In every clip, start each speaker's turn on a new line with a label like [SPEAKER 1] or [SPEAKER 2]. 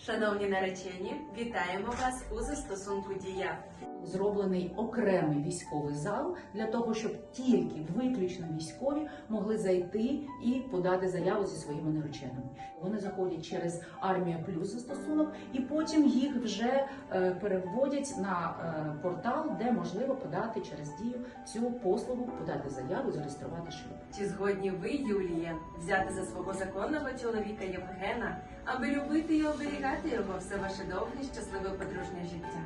[SPEAKER 1] Шановні наречені, вітаємо вас у застосунку Дія.
[SPEAKER 2] Зроблений окремий військовий зал для того, щоб тільки виключно військові могли зайти і подати заяву зі своїми нареченими. Вони заходять через Армія Плюс застосунок, і потім їх вже переводять на портал, де можливо подати через Дію цю послугу, подати заяву, зареєструвати шлюб.
[SPEAKER 1] Чи згодні ви, Юлія, взяти за свого законного чоловіка Євгена, аби любити і оберігати його все ваше довге щасливе подружнє життя?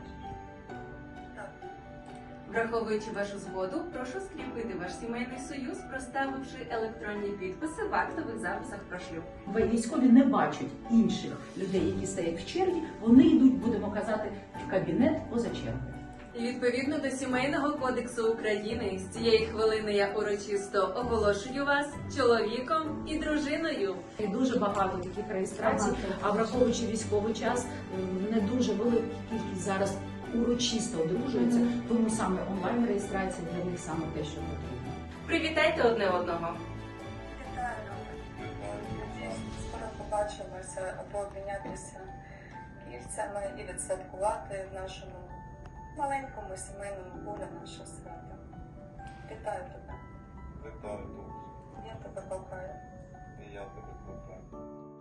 [SPEAKER 1] Враховуючи вашу згоду, прошу скріпити ваш сімейний союз, проставивши електронні підписи в актових записах про шлюб.
[SPEAKER 2] Військові не бачать інших людей, які стоять в черзі, вони йдуть, будемо казати, в кабінет поза чергою.
[SPEAKER 1] І відповідно до Сімейного кодексу України, з цієї хвилини я урочисто оголошую вас чоловіком і дружиною.
[SPEAKER 2] І дуже багато таких реєстрацій, а враховуючи військовий час, не дуже велика кількість зараз урочисто одружується, тому саме онлайн-реєстрація для них саме те, що потрібно.
[SPEAKER 1] Привітайте одне одного.
[SPEAKER 3] Вітаю. Надіюсь, скоро побачимося або обмінятися кільцями і відсвяткувати в нашому маленькому сімейному полі нашого свята. Вітаю тебе.
[SPEAKER 4] Вітаю, друже.
[SPEAKER 3] Я тебе кохаю.
[SPEAKER 4] І я тебе кохаю.